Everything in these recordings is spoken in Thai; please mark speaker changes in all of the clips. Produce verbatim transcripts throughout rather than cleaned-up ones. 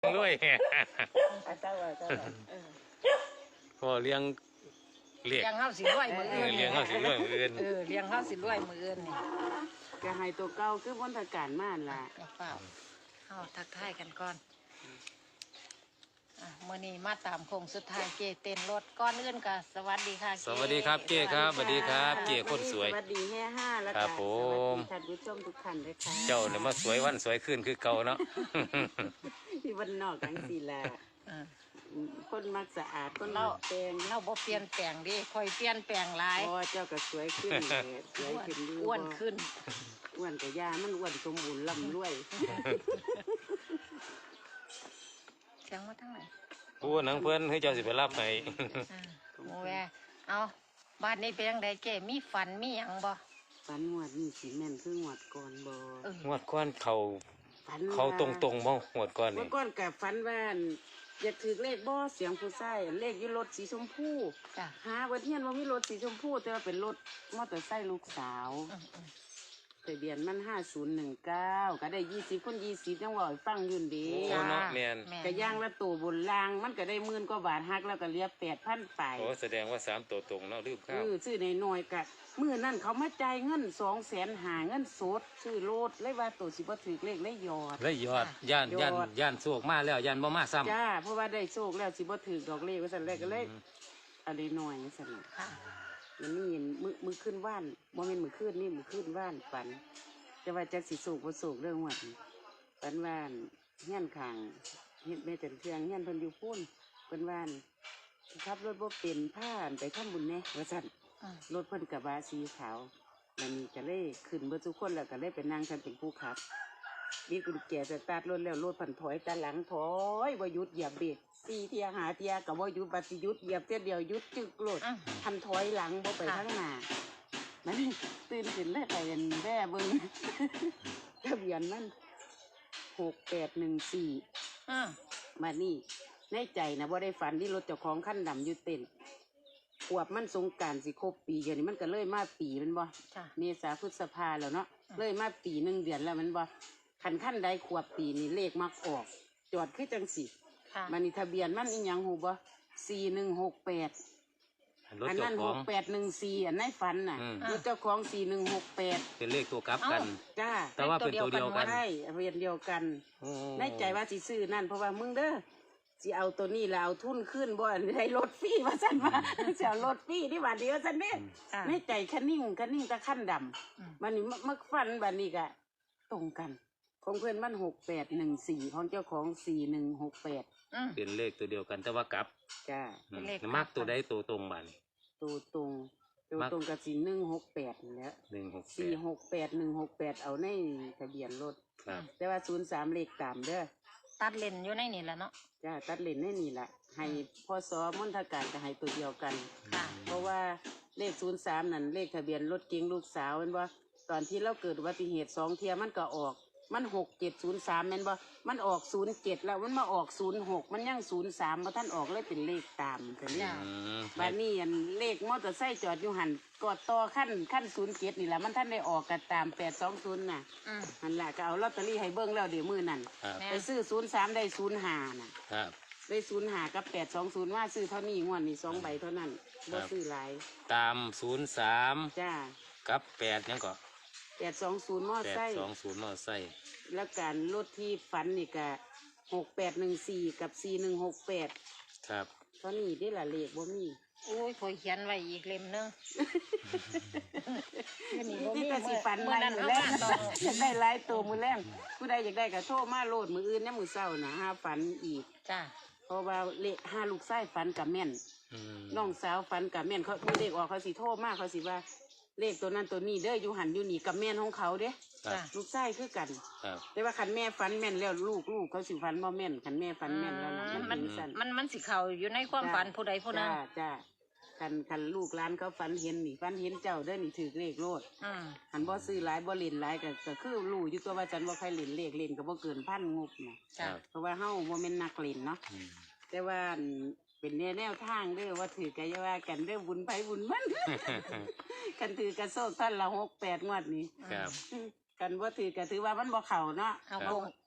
Speaker 1: รวย
Speaker 2: เจ้าว่าเจ้าว่า
Speaker 1: พอเลี้ยงเลี้ยง
Speaker 3: เลี้ยงเฮาสิรวยมื้ออื่น
Speaker 1: เลี้ยงเขาสิรวยมืออื่น
Speaker 3: เออเลี้ยงเฮาสิรวยมื้ออื่นนี่
Speaker 2: ก็ให้ตัวเก่าคือพ้นทางการม่านล่ะ
Speaker 3: เฝ้าเฮาทักทายกันก่อนอ่ะมื้อนี้มาตามโค้งสุดท้ายเจเต้นรถก่อนอื่นก็สวัสดีค่ะ
Speaker 1: สวัสดีครับเก้ครับสวัสดีครับเก้คนสวย
Speaker 2: สวัสดีแห่ห้าแล้ว
Speaker 1: ครั
Speaker 2: ก็
Speaker 1: บผ
Speaker 2: สวัส
Speaker 1: ม
Speaker 2: ดีท่านผู้ชมทุกท่านเลยค่ะ
Speaker 1: เจ้าเนี่ยมาสวยวันสวยขึ้นคือเก่าเนาะ
Speaker 2: ที่วันนอกกังสีลา
Speaker 3: อ่า
Speaker 2: คนมักสะอาดคน
Speaker 3: เรา
Speaker 2: มักแต่ง
Speaker 3: เราบ่เปลี่ยนแปลงดิค่อยเปลี่ยนแปลงหลาย
Speaker 2: เพราะว่าเจ้าก็สวยขึ้นแหละสวยขึ้นดี
Speaker 3: อ้วนขึ้น
Speaker 2: อ้วนกับยามันอ้วนสมบูรณ์ลำรวย
Speaker 3: เสียงมาทางไหน
Speaker 1: ผู้หนังเพื่อนให้เจ้าสิไปรับให้
Speaker 3: อ่าโมแวเอาบ้านนี้เป็นยังไงเจ้มีฝันมีหยังบ่
Speaker 2: ฝันงวดนี่สีแม่นคืองวดก่อนบ่
Speaker 3: เออ
Speaker 1: งวดก้อนเขา
Speaker 2: ฝัน
Speaker 1: เขาตรงตรงๆบ่งวดก้อน
Speaker 2: เมื่
Speaker 1: นี่
Speaker 2: อก่อนกับฝันว่าอั่นอยากถือเลขบ่เสียงผู้ชายเลขอยู่รถสีชมพู
Speaker 3: จ้ะ
Speaker 2: หาวันเทียนว่ามีรถสีชมพูแต่ว่าเป็นรถมอเตอร์ไซค์ลูกสาว
Speaker 3: อืมอืม
Speaker 2: ทะเบียนมันห้าศูนย์หนึ่งเก้าก็ได้ยี่สิบคนยี่สิบยังว่าให้ฟังอยืนดี
Speaker 1: โอ้เนาะแมน
Speaker 3: แม่
Speaker 2: กระย่างละตัวบนรางมันก็ได้หมื่นกว่าบาทหักแล้วก็เหลียแปดพันไป
Speaker 1: โอ้แสดงว่าสามตัวตรงเนาะลืมข้า
Speaker 2: เอ
Speaker 1: ว
Speaker 2: อซื้อในหน่อยๆกะมือนั่นเขามาจ่ายเงินสองแสนหาเงินสดซื้อรถเลยว่าตัวสิบ่ถือเลขเลยหยอด
Speaker 1: แล้วยอดย่านย่าน
Speaker 2: ยอด
Speaker 1: ย่านโศกมาแล้วย่านบ่มาซ้ำ
Speaker 2: จ้าเพราะว่าได้โชคแล้วสิบ่ถือดอกเลขว่าสั่นแรกก็เลยอะไรหน่อยสั่นน่ะ
Speaker 3: ค่ะ
Speaker 2: มันนี่มือมือขึ้นว่านโมเมนมือขึ้นนี่มือขึ้นว่านฝันจะว่าจะสิสูกบ่สูกเรื่องวัดนี่ฝันว่านเฮี้ยนขางเฮ็ดแม่แต่เทืองเฮี้ยนเพิ่นอยู่พุ่นเพิ่นว่านขับรถบ่เป็นผ่านไปทำบุญแหน่ว่าสั่น
Speaker 3: อืม
Speaker 2: รถเพิ่นกระบะสีขาวแล้วนี่ก็เลยขึ้นเบิดทุกคนแล้วก็เลยไปนั่งฉันเป็นผู้ขับนี่กุญแจสตาร์ทรถแล้วรถพันถอยตาหลังถอยบ่หยุดเหยียบเบรกสี่เทียหาเทียกับบ่หยุดบัดสิหยุดเหยียบเทียเดียวหยุดจึกรถ
Speaker 3: อืม
Speaker 2: พันถอยหลังบ่ไปข้างหน้ามันตื่นขึ้นเลยไปเห็นแม่เบิ่ง ทะเบียนมันหกแปดหนึ่งสี่
Speaker 3: อืม
Speaker 2: มานี่ในใจนะบ่ได้ฝันที่รถเจ้าของขั้นดำอยู่เต้นขวบมันสงกรารสิครบปีเดียวนี้มันก็เลยมาปีแมันบ่
Speaker 3: จ้ะ
Speaker 2: เมษาพฤษภาแล้วเนาะ
Speaker 3: อืม
Speaker 2: เลยมาปีหนึ่งเดือนแล้วแมันบ่ขันขั้นใดขวบปีนี่เลขมักออก จอดคือจังสิ
Speaker 3: ค่ะ
Speaker 2: มันนี่ทะเบียนมันอีหยังหูบ่สี่หนึ่งหกแปด
Speaker 1: รถ
Speaker 2: อัน
Speaker 1: เจ้า
Speaker 2: นั้น
Speaker 1: ข
Speaker 2: ห
Speaker 1: อง
Speaker 2: กแปดหนึ่งสี่อันในฝันน่ะ
Speaker 1: อืม
Speaker 2: รถเจ้าของสี่หนึ่งหกแปด
Speaker 1: เป็นเลขตัวกลับกัน
Speaker 2: จ้า
Speaker 1: แต่ว่าเป็นตัวเดียวกัน
Speaker 2: ใช่ทะเบียนเดียวกัน
Speaker 1: โอ้
Speaker 2: ในใจว่าสิซื้อนั่นเพราะว่ามึงเด้อสิเอาตัวนี้แล้วเอาทุนขึ้นบ่อันได้รถฟรีว่าซั่นว่า สิเอารถฟรีที่บาทเดียวซั่นเด้
Speaker 3: อ่า
Speaker 2: ในใจคันนิ่งคันนิ่งตะขั้นดำ
Speaker 3: อืม
Speaker 2: มันนี่มักฟันบันนี้ก็ตรงกัน ของเพื่อนมันหกแปดหนึ่งสี่ของเจ้าของสี่หนึ่งหกแปด
Speaker 3: อืม
Speaker 1: เป็นเลขตัวเดียวกันแต่ว่ากลับ
Speaker 2: จ้า
Speaker 1: อืม
Speaker 3: เป็นเลขกลับ
Speaker 1: มักตัวใดตัวตรงบ้าน
Speaker 2: ตัวตรงตัว
Speaker 1: มัก
Speaker 2: ตรงกับสี่หนึ่งหกแปดนี่แหล้ว
Speaker 1: หนึ่งหกแป
Speaker 2: สี่
Speaker 1: ด
Speaker 2: หกแปดหนึ่งหกแปดเอาในทะเบียนรถ
Speaker 1: ครับ
Speaker 2: แต่ว่าศูนย์สามเลขตามเด้อ
Speaker 3: ตัดเลนอยู่ในนี่แหละเนาะ
Speaker 2: จ้าตัดเลนให้นี่แหละให้พ่อซอมนทการจะให้ตัวเดียวกัน
Speaker 3: ค่ะ
Speaker 2: เพราะว่าเลขศูนย์สามนั่นเลขทะเบียนรถเก๋งลูกสาวเห็นบ่ตอนที่เราเกิดอุบัติเหตุสองเทียมันก็ออก มันหกเจ็ดศูนย์สามแม่นบ่มันออกศูนย์เจ็ดแล้วมันมาออกศูนย์หกมันยังศูนย์สามมาท่านออกเลยเป็นเลขตามแต่นี่
Speaker 3: จ้ะ
Speaker 1: อืม
Speaker 2: บ้านนี้อันเลขมอเตอร์ไซค์จอดอยู่หันกอดต่อขั้นขั้นศูนย์เจ็ดนี่แหละมันท่านได้ออกกันตามแปดสองศูนย์น่ะ
Speaker 3: อืม
Speaker 2: หันละก็เอาลอตเตอรี่ให้เบิ้งแล้วเดี๋ยวมือนั่น
Speaker 1: ครับ
Speaker 3: แม่
Speaker 2: ไปซื้อศูนย์สามได้ศูนย์ห้าน่ะ
Speaker 1: ครับ
Speaker 2: ได้ศูนย์ห้ากับแปดสองศูนย์ว่าซื้อเท่านี้งวดนี้สองใบเท่านั้นบ่ซื้อหลาย
Speaker 1: ตามศูนย์สาม
Speaker 2: จ้า
Speaker 1: กับแปดยังก็
Speaker 2: แปดสองศูนย์มอ
Speaker 1: แปด
Speaker 2: ไซค์
Speaker 1: สองศูนย์มอไซค์
Speaker 2: แล้วการรถที่ฝันนี่ก็หกแปดหนึ่งสี่กับสี่หนึ่งหกแปด
Speaker 1: ครับ
Speaker 2: เท่านี้ได้ละเลขบ่มี
Speaker 3: โอ้ยคอยเขียนไว้อีกเล่มหนึงอยู่นี่บ่
Speaker 2: นี่
Speaker 3: มี
Speaker 2: แต่สิฝัน
Speaker 3: เมื่อ
Speaker 2: ไม่
Speaker 3: นั้น
Speaker 2: มือ
Speaker 3: เอา
Speaker 2: แร
Speaker 3: มาง ตอง
Speaker 2: อยากได้หลายตัวมือแรงผู้ใดอยากได้ก็โทรมาโลดมืออื่นเนี่ยมือเศร้านะห้าฝันอีก
Speaker 3: จ้า
Speaker 2: เพราะว่าเลขห้าลูกไส้ฝันกับแม่น
Speaker 1: อืม
Speaker 2: น้องสาวฝันกับแม่นเขาผู้เลขออกเขาสิโทรมาเขาสิว่า เลขตัวนั้นตัวนี้เด้ออยู่หันอยู่นี่กับแม่นของเขาเด้
Speaker 1: ครับ
Speaker 3: จ้า
Speaker 2: ลูกไส้คือกัน
Speaker 1: ครับ
Speaker 2: แต่ว่าคันแม่ฝันแม่นแล้วลูกลูกเขาสิฝันบ่แม่นคันแม่ฝันแม่นแล้วนะ
Speaker 3: อืม
Speaker 2: มั
Speaker 3: มัน น
Speaker 2: เป็นสั่น
Speaker 3: มันมันสิเข้าอยู่ในความฝันผู้ใดผู้หนึง
Speaker 2: จ้าจ้าคันคันลูกร้านเขาฝันเห็นนี่ฝันเห็นเจ้าเด้อนี่ถือเลขโลด
Speaker 3: อืม
Speaker 2: หันบ่ซื้อหลายบ่เล่นหลายก็ก็คือรู้อยู่ตัวว่าฉันบ่ใครเล่นเลขเล่นก็บ่เกินพันงบนะ
Speaker 3: จ้า
Speaker 2: เพราะว่าเฮาบ่แม่นนักเล่นเนาะ
Speaker 1: อืม
Speaker 2: แต่ว่าอันเป็นแนวแนวทางเด้อว่าถือกันอย่าว่ากันเด้อบุญไปบุญมัน กันถือกระโซกท่านละหกแปดงวดนี้
Speaker 1: ครับ
Speaker 2: กันว่าถือก็ถือว่ามันบ่เข่าเนาะ
Speaker 3: เอา
Speaker 1: ครับ
Speaker 3: โค้งโค้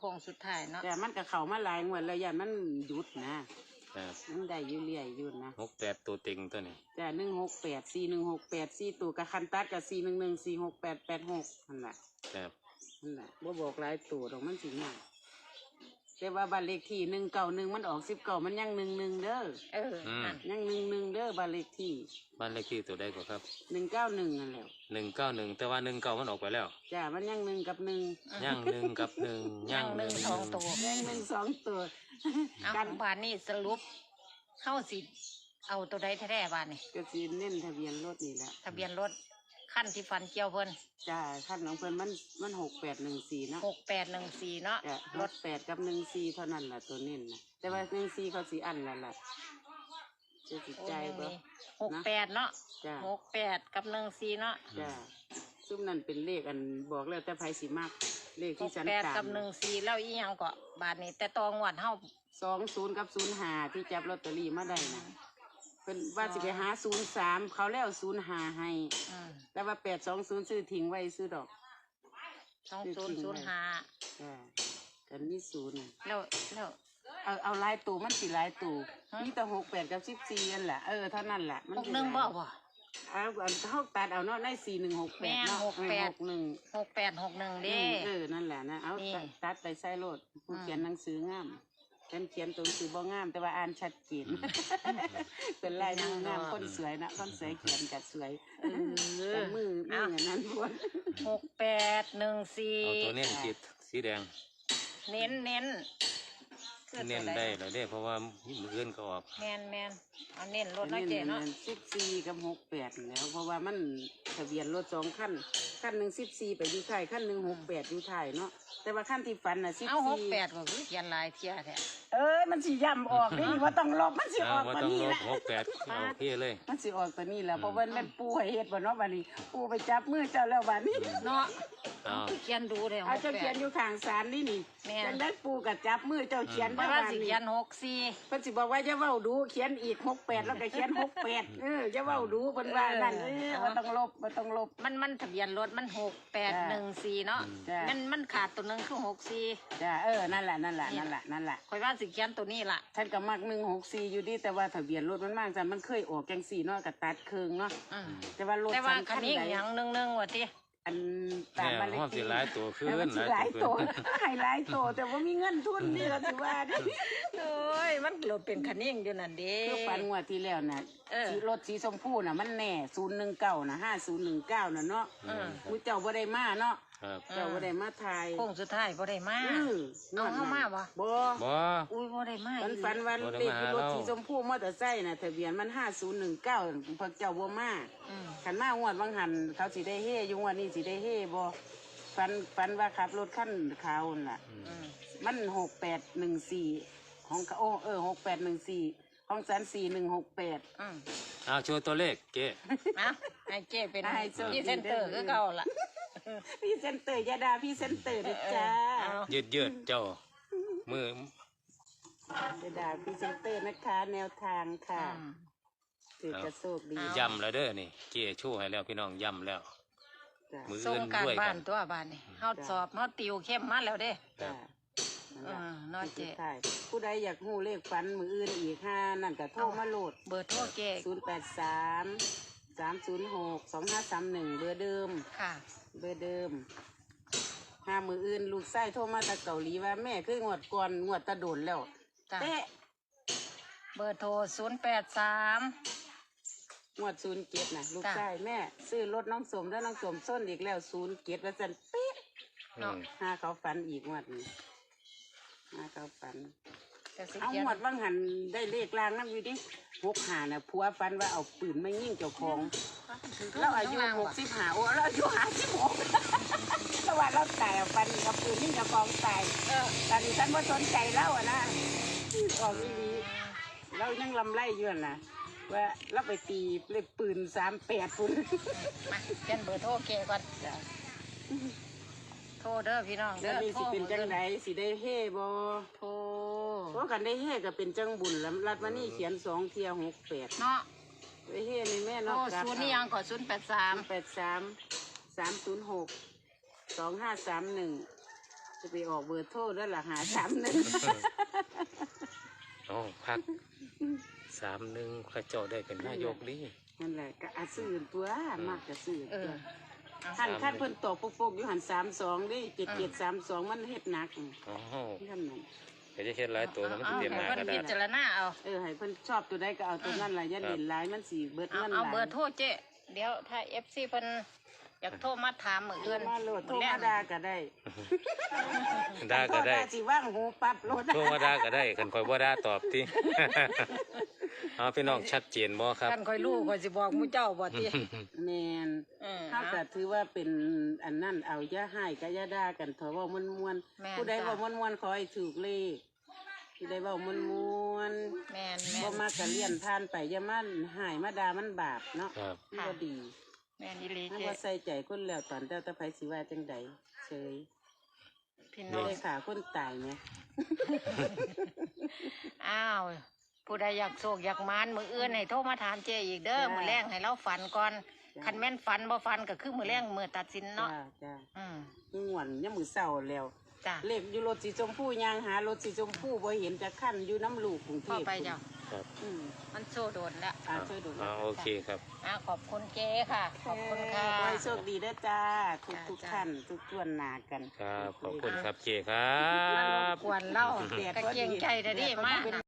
Speaker 3: ค้งสุดท้ายเนาะ
Speaker 2: แต่มันก็เข้ามาหลายงวดแล้วอย่ามันหยุดนะครับ มันได้อยู่เรื่อยอยู่นะ
Speaker 1: หกแปดตัวเต็งตัวนี้
Speaker 2: จ้ะหนึ่งหกแปดสี่หนึ่งหกแปดสี่ตัวกับคันตัดกับสี่หนึ่งหนึ่งสี่หกแปดแปดหกนั่นแหละ
Speaker 1: ครับ
Speaker 2: นั่นแหละบ่บอกหลายตัวดอกมันสิง่ายแต่ว่าบ้านเลขที่หนึ่งเก่าหนึ่งมันออกสิบเก่ามันยังหนึ่งหนึ่งเด้อ
Speaker 3: เออนั่น
Speaker 2: ยังหนึ่งหนึ่งเด้อบ้านเลขที่
Speaker 1: บ้านเลขที่ตัวใดกว่าครับ
Speaker 2: หนึ่งเก้าหนึ่งนั่นแหละ
Speaker 1: หนึ่งเก้าหนึ่งแต่ว่าหนึ่งเก้ามันออกไปแล้ว
Speaker 2: จ้ะมันยังหนึ่งกับหนึ่ง
Speaker 1: ย่างหนึ่งกับหนึ่ง
Speaker 3: ยั
Speaker 1: ย่าง ง
Speaker 3: ห
Speaker 1: ห
Speaker 3: นึ่
Speaker 1: นึ่
Speaker 3: ง
Speaker 1: ง
Speaker 3: สองตัว
Speaker 2: ยังหนึ่งสองตัว
Speaker 3: เอา
Speaker 2: กัน
Speaker 3: บ้านนี้สรุปเข้าสิเอาตัวใดแท้ๆบ้านนี่
Speaker 2: ก็สิเน้นทะเบียนรถนี่แหละ
Speaker 3: ทะเบียนรถขั้นที่ฟันเกี่ยวเพิ่น
Speaker 2: จ้าขั้นของเพิ่นมันมันหกแปดหนึ่งสี่เนาะ
Speaker 3: หกแปดหนึ่งสี่เนาะ
Speaker 2: จ้ะ
Speaker 3: ร
Speaker 2: ร
Speaker 3: ถ
Speaker 2: ถแปดกับหนึ่งสี่เท่านั้นล่ะตัวเน้นนะแต่ว่าหนึ่งสี่เขาสีอันละล่ะจะจิต
Speaker 3: โอ้
Speaker 2: ใจ
Speaker 3: ยัง
Speaker 2: บ่
Speaker 3: มีหกแปดเนาะ
Speaker 2: จ้า
Speaker 3: หกแปดกับหนึ่งสี่เนาะ
Speaker 2: จ้าซุ่มนั่นเป็นเลขอันบอกแล้วแต่ไผสิมากเลข
Speaker 3: ห
Speaker 2: ที่
Speaker 3: ก
Speaker 2: ฉัน
Speaker 3: แปด
Speaker 2: ตาม
Speaker 3: กับหนึ่งสี่แล้วอีหยังก็บาทนี้แต่ตองวดเฮา
Speaker 2: สองศูนย์กับศูนย์ห้าที่จับลอตเตอรี่มาได้นะเพิ่นว่าสิไปหาศูนย์สามเขาแล้วศูนย์ห้าให้
Speaker 3: อืม
Speaker 2: แต่ว่าแปดสองศูนย์ซื้อทิ้งไว้ซื้อดอก
Speaker 3: สองศูนย์ศูนย์ห้า
Speaker 2: จ้ากันนี่ศูนย์
Speaker 3: แล้วแล้ว
Speaker 2: เอาเอาลายตูมันสิลายตู
Speaker 3: ฮะ
Speaker 2: มีแต่หกแปดกับสิบสี่นั่นแหละเออเท่านั้นแหละมัน
Speaker 3: หก
Speaker 2: สิ
Speaker 3: หนึ่ง
Speaker 2: หลาย
Speaker 3: บ่บ่
Speaker 2: เอาอันเขาตัดเอาเนาะในสี่หนึ่งหกแป
Speaker 3: แม่
Speaker 2: ดเนาะ
Speaker 3: หกแปด
Speaker 2: หกหนึ่ง
Speaker 3: หกแปดหกหนึ่งเด้
Speaker 2: เออนั่นแหละนะเอา
Speaker 3: นี่
Speaker 2: ตัดตัดไปใส่โลดผู้
Speaker 3: อืม
Speaker 2: เขียนหนังสืองามฉันเขียนตัวหนังสือบ่งาม แต่ว่าอ่านชัดเจนเป็นลายมืองามคนสวยนะคนสวยเขียนกัดสวย
Speaker 3: เออ
Speaker 2: แต่มือมืออย่างนั้นพวก
Speaker 3: หกแปดหนึ่งสี่
Speaker 1: เอาตัวเน้นสีสีแดง
Speaker 3: เน้นเน้นคือ
Speaker 1: เน้น
Speaker 3: ตัวใ
Speaker 1: ได้แล้วเด้เพราะว่ามืออื่นก็ออก
Speaker 3: แมนแมนเอาเน้นรถน้อยเจเนาะ
Speaker 2: สิบสี่กับหกแปดแล้ว เพราะว่ามันทะเบียนรถสองขั้นขั้นหนึ่งสิบสี่ไปอยู่ท้ายขั้นหนึ่งหกแปดอยู่ท้ายเนาะแต่ว่าขั้นที่ฟันน่ะสิบ
Speaker 3: เอาหก
Speaker 2: สี่
Speaker 3: แปดก็คือเขียนลายเทียแท้
Speaker 2: เอ้ยมันสิย่ำออกนี่ว่าต้องลบมันสิอ
Speaker 1: เอา
Speaker 2: อก
Speaker 1: ว่า
Speaker 2: มา
Speaker 1: ต้อง
Speaker 2: นี่
Speaker 1: ล
Speaker 2: แห
Speaker 1: บ
Speaker 2: ละ
Speaker 1: หกแปดเอาโอเคเลย
Speaker 2: มันสิออกตัวนี้แหละเพราะว่าแม่นปูให้เฮ็ดบ่เนาะบัดนี้ปูไปจับมือเจ้าแล้วบัดนี้
Speaker 3: เนาะ
Speaker 1: เอา
Speaker 3: เขียนดูเลยห
Speaker 2: เอา
Speaker 3: ก
Speaker 2: เจ้า
Speaker 3: แป
Speaker 2: เขีย
Speaker 3: ด
Speaker 2: นอยู่ข้างศาลนี่นี่
Speaker 3: แม่น
Speaker 2: จังได้ปูกับจับมือเจ้าเขียน
Speaker 3: เพราะ
Speaker 2: ได้
Speaker 3: ว่า
Speaker 2: บัด
Speaker 3: สิ
Speaker 2: นี้
Speaker 3: เขียนหกสี่
Speaker 2: เพิ่นสิบอกว่าอย่าเว้าดูเขียนอีกหกแปดแล้วก็เขียนหกแปดเอออย่าเว้าดูเพิ่นว่านั่นเออบ่ต้องลบบ่ต้องลบ
Speaker 3: มันมันทะเบียนรถมันหกแปดหนึ่งสี่เนาะ
Speaker 2: จ้ะ
Speaker 3: มันมันขาดตัวหนึงคือหกสี่
Speaker 2: จ้าเออนั่นแหละนั่นแหละนั่นแหละนั่นแหละ
Speaker 3: คอยว่าสิเขียนตัวนี้ล่ะ
Speaker 2: ท่านก็มักหนึ่งหกสี่อยู่ดีแต่ว่าทะเบียนรถมันมากจังมันเคยออกจังสี่เนาะกับตัดเครื่องเนาะ
Speaker 3: อืม
Speaker 2: แต่ว่ารถ
Speaker 3: แต่ว่า
Speaker 2: ฉัน
Speaker 3: คันนี้
Speaker 2: ใด
Speaker 3: อย่างหนึ่งหนึ่งว่ะที
Speaker 2: อันตาม
Speaker 1: แม่
Speaker 2: บ้านเลข
Speaker 1: ห้องสิ
Speaker 2: ที่
Speaker 1: หลายตัวขึ้น
Speaker 2: แต่มันสิหลาย
Speaker 1: ขึ้
Speaker 2: ตัวน ให้หลายตัวแต่ว่ามีเงินทุนนี่ก็ถือว่าดิ
Speaker 3: โอ้ยมันโหลดเป็นคันนี้อยู่นั่นเด้
Speaker 2: คือฝันงวดที่แล้วน่ะ
Speaker 3: เออ
Speaker 2: สีรถสีชมพูน่ะมันแน่ศูนย์หนึ่งเก้าน่ะห้าศูนย์หนึ่งเก้าน่ะเนาะ
Speaker 3: อืม
Speaker 2: มูเจ้าบ่ได้มาเนาะ
Speaker 1: ครับ
Speaker 2: เจ้าบ่ได้มาทาย
Speaker 3: โค้งสุดท้ายบ่ได้มา
Speaker 2: อือ
Speaker 3: เอาเข้ามาบ่
Speaker 2: บ่
Speaker 1: บ่
Speaker 3: อุ้ยบ่ได้มา
Speaker 2: ฝัน
Speaker 3: อีหลี
Speaker 2: ฝันวัน
Speaker 1: บ่ได้
Speaker 2: เลข
Speaker 1: มา
Speaker 2: ที่รถ
Speaker 1: เรา
Speaker 2: สีชมพูมอเตอร์ไซค์น่ะทะเบียนมันห้าศูนย์หนึ่งเก้าพวกเจ้าบ่มา
Speaker 3: อืม
Speaker 2: ขันมางวดบางหันเขาสิได้เฮ่อยู่งวดนี้สิได้เฮ่บ่ฝันฝันว่าขับรถขั้นขาวนั่นล่ะ
Speaker 3: อืม
Speaker 2: มันหกแปดหนึ่งสี่ของเขาโอ้เออหกแปดหนึ่งสี่ของสันสี่หนึ่งหกแปด
Speaker 3: อืม
Speaker 1: เอาโชว์ตัวเลขเจ๊
Speaker 3: นะให้เจ้เป็น
Speaker 2: ให้โชคดี
Speaker 3: พรี่เซนเตอร์คือเก่าล่ะ
Speaker 2: พี่เซนเตอร์ยาดาพี่เซนเตอร์ด้วยจ้า
Speaker 3: เอา
Speaker 1: ยืดยืดเจ้า มือย
Speaker 2: าดาพี่เซนเตอร์นะคะ แนวทางค่ะ
Speaker 3: อืม
Speaker 2: ถือกระโชคดี
Speaker 3: เอา
Speaker 1: ย่ำแล้วเด้อนี่เจ๊ชูให้แล้วพี่น้องย่ำแล้ว
Speaker 2: จ้า
Speaker 1: มือ
Speaker 3: ส่ง
Speaker 1: อื่น
Speaker 3: การ
Speaker 1: ด้วย
Speaker 3: บ้า
Speaker 1: กัน น
Speaker 3: ตัวบ้านนี่เฮาสอบเฮาติวเข้มมาแล้วเด้
Speaker 2: จ้า
Speaker 3: เออน้อยเจ๊
Speaker 2: ใช่ผู้ใดอยากหูเลขฝันมืออื่นอีกห้านั่นก็โทรมาโหลด
Speaker 3: เบอร์โทรเจ๊
Speaker 2: ศูนย์แปดสามสามศูนย์หกสองห้าสามหนึ่งเบอร์เดิม
Speaker 3: ค่ะ
Speaker 2: เบอร์เดิมห้ามืออื่นลูกไส้โทรมาจากเกาหลีว่าแม่คืองวดก่อนงวดตะโดนแล้ว
Speaker 3: จ้ะ
Speaker 2: เตะ
Speaker 3: เบอร์โทรศูนย์แปดสาม
Speaker 2: งวดศูนย์เกียรนะลูก
Speaker 3: จ้ะ
Speaker 2: ไส้แม่ ซื้อรถน้องสมแล้วน้องสมส้นอีกแล้วศูนย์เกียรว่าสันเป๊ะ
Speaker 1: อืม
Speaker 2: ห้าเขาฝันอีกงวดนี้ห้าเขาฝัน
Speaker 3: จะสิ
Speaker 2: เอา
Speaker 3: เขียน
Speaker 2: งวดว่างหันได้เลขลางนั่นอยู่ดิหกหาน่ะผัวฝันว่าเอาปืนมายิงเจ้าของเราอายุหกสิบห้าโอ้เราอายุห้าสิบหก สวัสดิ์เราตายเอาฟันกับปืนยิงเจ้าของตาย
Speaker 3: เออ
Speaker 2: ตอนนี้ฉันว่าสนใจเล่าอะนะออกอีหลีเรายังลำไล่อยู่นั่นนะว่าเราไปตีเลขปืนสามแปดปุ่น
Speaker 3: มาเขียนเบอร์โทรเก๋ก่อน
Speaker 2: จ้ะ
Speaker 3: โทรเด้อพี่น้องเด้
Speaker 2: แล้
Speaker 3: อ
Speaker 2: วนี่
Speaker 3: โทร
Speaker 2: สิเป็นจังไดสิได้เฮ่บ่
Speaker 3: โทร
Speaker 2: เพราะกันได้เฮ่ก็เป็นจังบุญแล้วรัดมานี่เขียนสองเทียหกแปด
Speaker 3: เนาะ
Speaker 2: ได้เฮ่ในแม่
Speaker 3: โทร
Speaker 2: เนอกจาก
Speaker 3: ศูนย์นี่ยังก่อนศูนย์แปดสา
Speaker 2: สาม มแปดสามสามศูนย์หกสองห้าสามหนึ่งจะไปออกเบอร์โทรแล้วล่ะหาสามหนึ่ง
Speaker 1: อ๋อพักสามหนึ่งพระเจ้าได้เป็นนายกดี
Speaker 2: นั่นแหละก็อาซื้อตัวมากก็ซื้อ
Speaker 3: เอ
Speaker 2: ตั
Speaker 3: อ
Speaker 2: ว
Speaker 3: เอา
Speaker 2: ท่านท่านเพิ่นตกปกๆอยู่หันสามสองดิเจ็ดเจ็ดสามสองมันเฮ็ดหนัก
Speaker 1: อ๋อ
Speaker 2: ท่านนั่น
Speaker 1: ก็จะเฮ็ดหลายตัวแล้วมัน
Speaker 3: เอา
Speaker 1: สิเตรียมหน้า
Speaker 3: ให้
Speaker 1: ก็
Speaker 3: เพิ่น
Speaker 1: ได้
Speaker 3: พิจารณาเอา
Speaker 2: เออให้เพิ่นชอบตัวใดก็เอาตัวนั้นล่ะอย่าเล่นหลายมันสิเบิด
Speaker 3: เอา
Speaker 2: เงินห
Speaker 3: เอา
Speaker 2: ลาย
Speaker 3: เบอร์โทรเจ๊เดี๋ยวถ้า เอฟ ซี เพิ่นอยากโทรมาถามมื้อ
Speaker 2: เอื้
Speaker 3: อื่
Speaker 2: อน
Speaker 3: น
Speaker 2: มาโหลดโทร
Speaker 3: แร
Speaker 2: มาก ด่าก็ได้
Speaker 1: ด่าก็ได้
Speaker 2: โทรสิว่างหูปั๊บโหลด
Speaker 1: โทรมาด่าก็ได้คันคอยบ่ด่าตอบติ เอาพี่น้องชัดเจนบ่ครับ
Speaker 3: ท่านค่อยรู้ค่อยสิบอกหมู่เจ้าบ่ติ
Speaker 2: แม่น
Speaker 3: เออ
Speaker 2: เฮาก็ถือว่าเป็นอันนั้นเอาอย่าให้ก็อย่าด่ากันเถอะเว้าม่วน
Speaker 3: แม่น
Speaker 2: ๆผู้ใด
Speaker 3: จ้ะ
Speaker 2: เว้าม่วนๆขอให้ถูกเลขผู้ใดเว้าม่วน
Speaker 3: แม่น
Speaker 2: ๆ
Speaker 3: แม่
Speaker 2: บ่
Speaker 3: น
Speaker 2: มากก็เลี่ยนผ่านไปอย่ามาหายมาด่ามันบาปเนาะ
Speaker 1: ครับ
Speaker 2: มันบ่ดี
Speaker 3: แม่นอีหลี
Speaker 2: ถ้า
Speaker 3: เจ๊
Speaker 2: ว่าใส่ใจคนแล้วตอนเจ้าตะไผสิว่าจังใดเฉย
Speaker 3: พี่
Speaker 2: ไม่
Speaker 3: น้อง
Speaker 2: ได้ขาคนตายไหม
Speaker 3: อ้าวผู้ใดอยากโศกอยากมานมื้ออื่นให้โทรมาถามเจ๊อีกเด้อมื้อแรงให้เราฝันก่อนคันแม่นฝันบ่ฝันก็คือมื้อแรงมื้อตัดสิน
Speaker 2: จ้า
Speaker 3: เนาะ
Speaker 2: จ้า
Speaker 3: อืม
Speaker 2: ง่วนยามมือเศร้าแล้ว
Speaker 3: จ้ะ
Speaker 2: เลขอยู่รถสีชมพูยางหารถสีชมพูบ่เห็นจะขั้นอยู่น้ำลูกกรุงเท
Speaker 3: พ่อ
Speaker 2: พ
Speaker 3: ไปเจ้า
Speaker 1: ครับ
Speaker 2: อืม
Speaker 3: มันโซโดนแล้ว
Speaker 2: อ่าช่วยดู
Speaker 1: อ่าโอเคครับ
Speaker 3: อ่าขอบคุณเจ๊ค่ะ ขอบคุณค่ะ
Speaker 2: ขอให้โชคดีเด้อจ้า ทุก
Speaker 3: จ้า
Speaker 2: ทุก
Speaker 3: จ้า
Speaker 2: ท่านทุกทวนหนากัน
Speaker 1: ครับ ขอบคุณครับเจครั
Speaker 3: มา
Speaker 1: บ
Speaker 3: กวนเล่า
Speaker 2: แดด
Speaker 3: กระ
Speaker 2: ก็
Speaker 3: เกียง
Speaker 2: ดี
Speaker 3: ใจแต่ดิ
Speaker 2: แดดก็
Speaker 3: มาก
Speaker 2: เป็น